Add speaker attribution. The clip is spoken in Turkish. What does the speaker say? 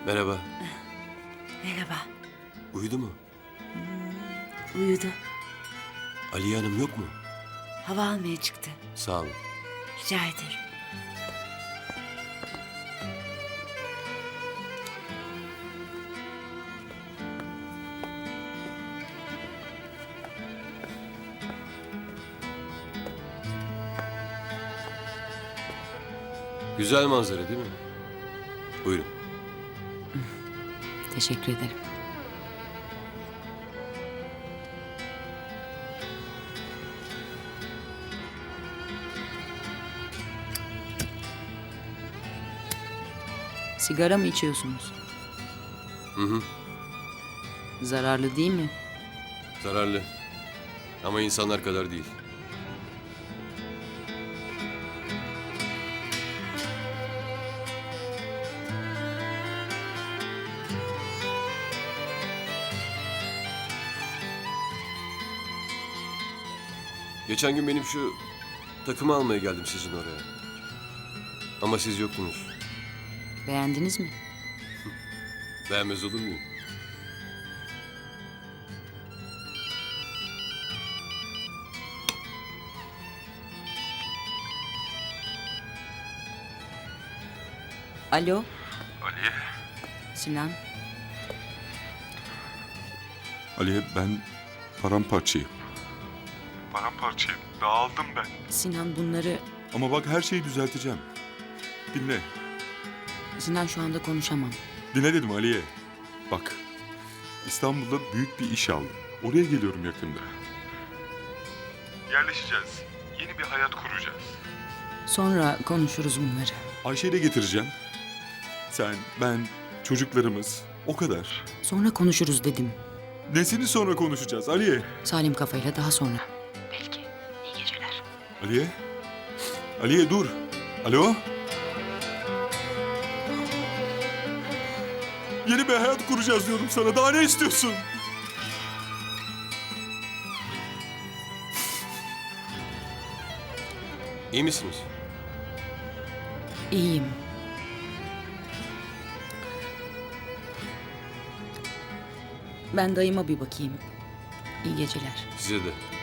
Speaker 1: Merhaba.
Speaker 2: Merhaba.
Speaker 1: Uyudu mu?
Speaker 2: Uyudu.
Speaker 1: Aliye Hanım yok mu?
Speaker 2: Hava almaya çıktı.
Speaker 1: Sağ olun.
Speaker 2: Rica ederim.
Speaker 1: Güzel manzara değil mi? Buyurun.
Speaker 2: Teşekkür ederim. Sigara mı içiyorsunuz?
Speaker 1: Hı hı.
Speaker 2: Zararlı değil mi?
Speaker 1: Zararlı. Ama insanlar kadar değil. Geçen gün benim şu takımı almaya geldim sizin oraya. Ama siz yoktunuz.
Speaker 2: Beğendiniz mi?
Speaker 1: Beğenmez olur muyum?
Speaker 2: Alo,
Speaker 3: Aliye.
Speaker 2: Sinan.
Speaker 3: Aliye ben paramparçayım. Paramparçayım. Dağıldım ben.
Speaker 2: Sinan bunları...
Speaker 3: Ama bak her şeyi düzelteceğim. Dinle.
Speaker 2: Sinan şu anda konuşamam.
Speaker 3: Dinle dedim Aliye. Bak. İstanbul'da büyük bir iş aldım. Oraya geliyorum yakında. Yerleşeceğiz. Yeni bir hayat kuracağız.
Speaker 2: Sonra konuşuruz bunları.
Speaker 3: Ayşe'yi de getireceğim. Sen, ben, çocuklarımız. O kadar.
Speaker 2: Sonra konuşuruz dedim.
Speaker 3: Nesini sonra konuşacağız Aliye?
Speaker 2: Salim kafayla daha sonra. Belki. İyi geceler.
Speaker 3: Aliye? Aliye dur. Alo? Yeni bir hayat kuracağız diyorum sana. Daha ne istiyorsun?
Speaker 1: İyi misiniz?
Speaker 2: İyiyim. Ben dayıma bir bakayım. İyi geceler.
Speaker 1: Size de.